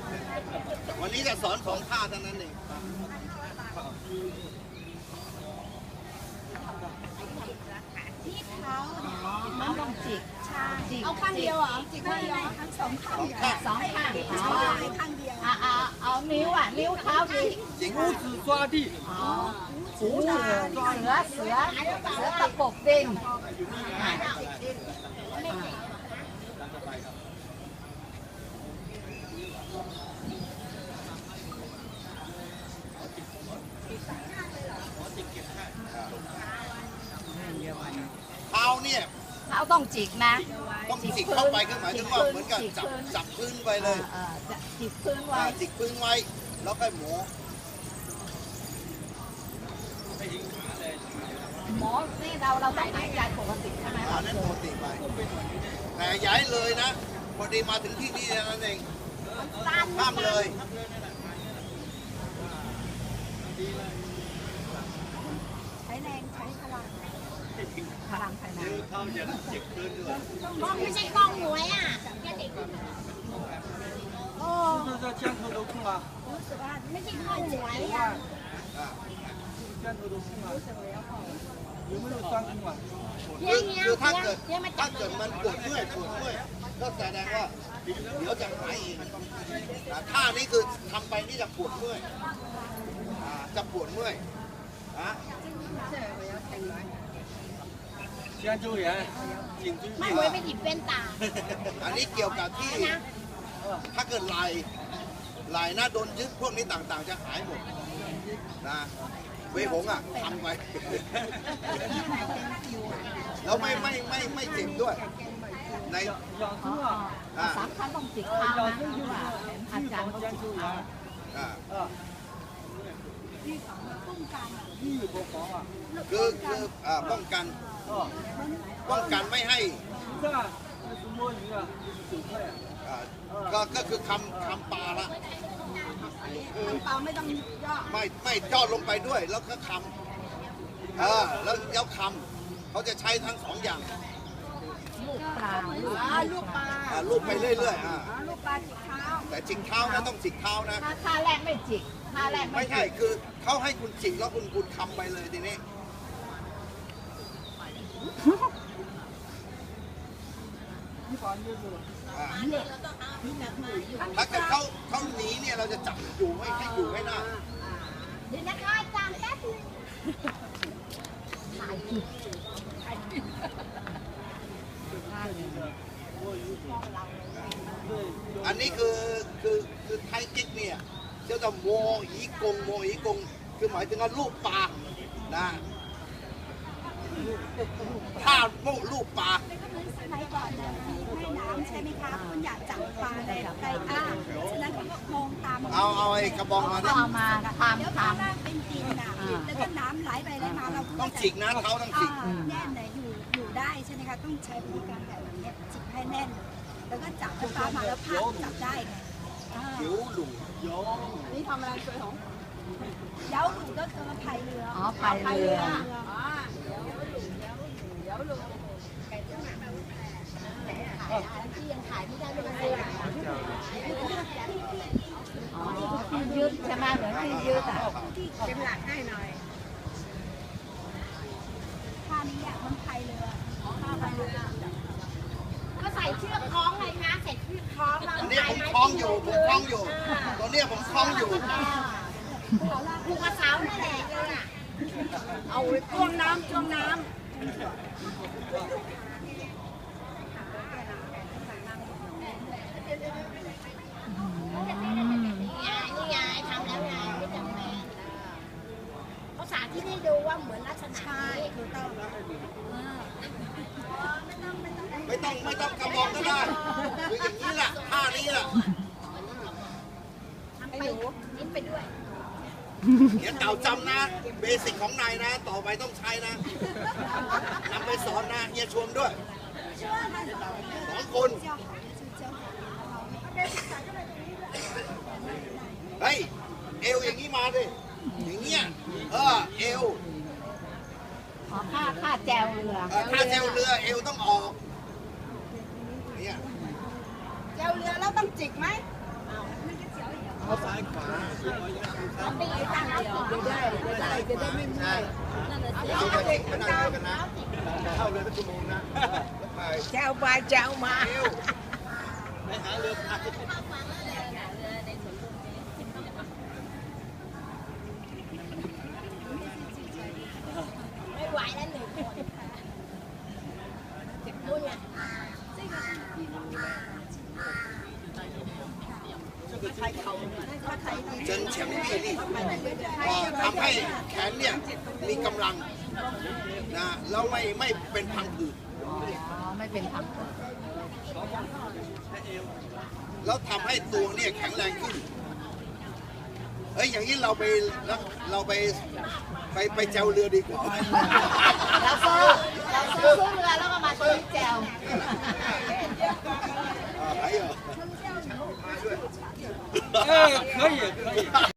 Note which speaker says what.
Speaker 1: วันนี้จะสอนสองท่าเท่านั้นเอง
Speaker 2: ที่เท้ามันต้องจิกเอาข้างเดียวเหรอจิกข้างเดียวทั้งสองข้างสองข้างข้างเดียวเอานิ้วนิ้วเท้าดิ
Speaker 1: จิก
Speaker 3: 五指抓地。
Speaker 2: หูเสือตะปบดิน
Speaker 1: เท้าเนี่ย
Speaker 2: เท้าต้องจิกนะ
Speaker 1: ต้องจิกเข้าไปก็หมายถึงว่าเหมือนกับจับพื้นไปเลย
Speaker 2: จิกพื้นไว้
Speaker 1: จิกพื้นไว้แล้วก็หมอ
Speaker 2: นี่เราต้องหายใจปกติใช่ไหม
Speaker 1: นั่นปกติไปแต่ย้ายเลยนะพอดีมาถึงที่นี่นั่นเองห้ามเลย
Speaker 2: ใช้แรงใช้พลังภายใน
Speaker 1: เขาจะจิกพื้นด้วย
Speaker 2: ไม่ใช่กล้องหวยอ่ะแค่เด็กโอ้
Speaker 3: 这肩头都痛啊！
Speaker 2: รู้สึกว่าไม่ใช่กล้องหวยอ่ะ
Speaker 3: 肩头都痛啊！有没有酸痛啊？
Speaker 1: คือถ้าเกิดมันปวดเมื่อยก็แสดงว่าเดี๋ยวจะหายเองท่านี้คือทำไปนี่จะปวดเมื่อยจะปวดเมื่อย
Speaker 3: 肩周炎、颈椎病。
Speaker 2: ไม่ไว้ไม่ติดเป็นตา
Speaker 1: อันนี้เกี่ยวกับที่ถ้าเกิดไหลนะโดนยึดพวกนี้ต่างๆจะหายหมดนะเวหงทำไปแล้วไม่เจ็บด้วยใน
Speaker 2: สามครั้งต้องจิกเท้านะอาจารย์เขาจิกเท้า
Speaker 1: คือป้องกันไม่ให้ก็คือคำปลาละ
Speaker 2: ปลาไม่ต้องย่อ
Speaker 1: ไม่ย่อลงไปด้วยแล้วก็คำแล้วเย้าคำเขาจะใช้ทั้งสองอย่าง
Speaker 2: ลูกปลา
Speaker 1: ลูกไปเรื่อย
Speaker 2: ลูกปลาจิกเท้า
Speaker 1: แต่จิกเท้านะต้องจิกเท้านะ
Speaker 2: ท่าแรกไม่จิกท่าแรก
Speaker 1: ไม่ใช่คือเขาให้คุณจิกแล้วคุณคำไปเลยทีนี้ถ้าเกิดเขาหนีเนี่ยเราจะจับอยู่ให้อยู่ให้หน้า
Speaker 2: เดี๋ยวนะคะอาจารย์แป๊บนึงถ่ายผิด
Speaker 1: อันนี้คือไทยกิ๊กเนี่ยเจ้าจะโมอีกงคือหมายถึงว่าลูกปลานะถ้าลูกปลา
Speaker 2: สมัยก่อนเนี่ยมีให้น้ำใช่ไหมคะคุณอยากจับปลาในฉะนั้นเขาก็มองตาม
Speaker 1: เอาไอ้กระบองมา
Speaker 2: เอามาทำเป็นดินนะแล้วก็น้ำไหลไปไหลมาเรา
Speaker 1: ต้องจิกนะเขาต้องจิก
Speaker 2: แน่นเลยอยู่ได้ใช่ไหมคะต้องใช้วิธีการแบบนี้จิกให้แน่นแล้วก็จับปลามาแล้วพักจับได้ไง
Speaker 1: หิวหลุม
Speaker 2: นี่ทำอะไรสวยของเย้าหลุมก็คือพายเรือ
Speaker 4: พายเรือ
Speaker 2: ที่ยังขายไม่ได้เลย
Speaker 4: ที่ยืดใช่ไหมเหมือนที่ยืด
Speaker 2: ที่เป็นหลักให้หน่อยท่านี้มันพายเรือก็ใส่เชือกคล้องเลยคะใส่เชือกคล้องแล้ว
Speaker 1: นี่ผมคล้องอยู่ตัวนี้ผมคล้องอยู่
Speaker 2: ผูกกระเสานั่นแหละเอาจ้วงน้ำนี่ไงทำแล้วไงไม่จำเป็นเขาสาธิตให้ดูว่าเหมือนลักษณะคือต้อง
Speaker 1: ไม่ต้องกระบอกก็ได้คืออย่างนี้แหละท่านี้แหละ
Speaker 2: ทำไปนิ้นไปด้วย
Speaker 1: เดี๋ยวเก่าจำนะเบสิกของนายนะต่อไปต้องใช้นะนำไปสอนนะเฮียชวนด้วย2 คนเฮ้ยเอวอย่างนี้มาดิอย่างเงี้ยเอว
Speaker 4: ค่าแจวเรือ
Speaker 1: ค่าแจวเรือเอวต้องออกเนี่ย
Speaker 2: แจวเรือแล้วต้องจิกไหม
Speaker 1: เอาเด็กมานั่งเรือกันนะเข้าเรือเป็นชั่วโมงนะแล้วไป
Speaker 2: เจ้าไปเจ้ามา
Speaker 1: ไปหาเรือพาย
Speaker 2: ไม่ไหวแล้วหนึ่งคนนู่นไง
Speaker 1: เจนแชมป์นี่ทำให้แขนเนี่ยมีกำลังนะแล้วไม่เป็นพังผืด
Speaker 4: อ๋อไม่เป็นผัก
Speaker 1: แล้วทำให้ตัวเนี่ยแข็งแรงขึ้นเฮ้ยอย่างนี้เราไปแจวเรือดีกว่า
Speaker 4: เราซื้อเรือแล้วก็มาซื้อแจว
Speaker 1: 还有，
Speaker 3: 可以可以。